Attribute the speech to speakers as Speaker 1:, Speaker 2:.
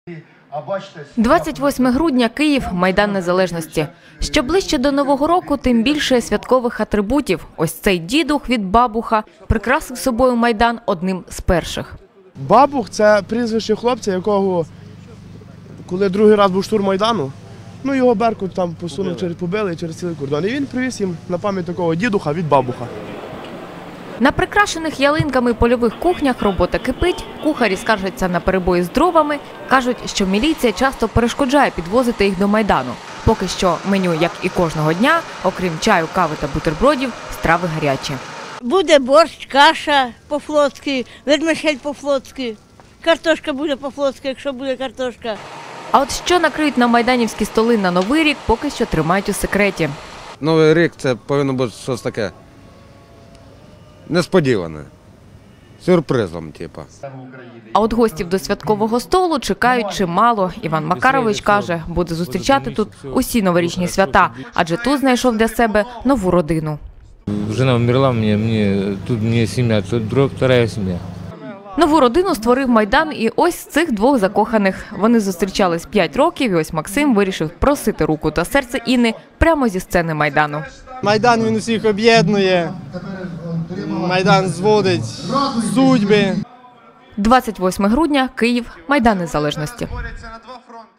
Speaker 1: 28 грудня, Київ, Майдан Незалежності. Що ближче до Нового року, тим більше святкових атрибутів. Ось цей дідух від Бабуха прикрасив собою Майдан одним з перших.
Speaker 2: Бабух – це прізвище хлопця, якого, коли другий раз був штурм Майдану, його Беркут там посунув, побили через цілий кордон. І він привіз їм на пам'ять такого дідуха від Бабуха.
Speaker 1: На прикрашених ялинками польових кухнях робота кипить, кухарі скаржаться на перебої з дровами, кажуть, що міліція часто перешкоджає підвозити їх до Майдану. Поки що меню, як і кожного дня, окрім чаю, кави та бутербродів, страви гарячі.
Speaker 3: Буде борщ, каша по-флотськи, вермишель по-флотськи, картошка буде по-флотськи, якщо буде картошка.
Speaker 1: А от що накриють на майданівські столи на Новий рік, поки що тримають у секреті.
Speaker 4: Новий рік – це повинно бути щось таке несподіване, сюрпризом, типу.
Speaker 1: А от гостів до святкового столу чекають чимало. Іван Макарович каже, буде зустрічати тут усі новорічні свята, адже тут знайшов для себе нову родину.
Speaker 5: Жена вмерла, тут мені сім'я, тут друга сім'я.
Speaker 1: Нову родину створив Майдан і ось цих двох закоханих. Вони зустрічались 5 років і ось Максим вирішив просити руку та серце Інни прямо зі сцени Майдану.
Speaker 6: Майдан він усіх об'єднує, Майдан зводить судьби.
Speaker 1: 28 грудня, Київ, Майдан Незалежності.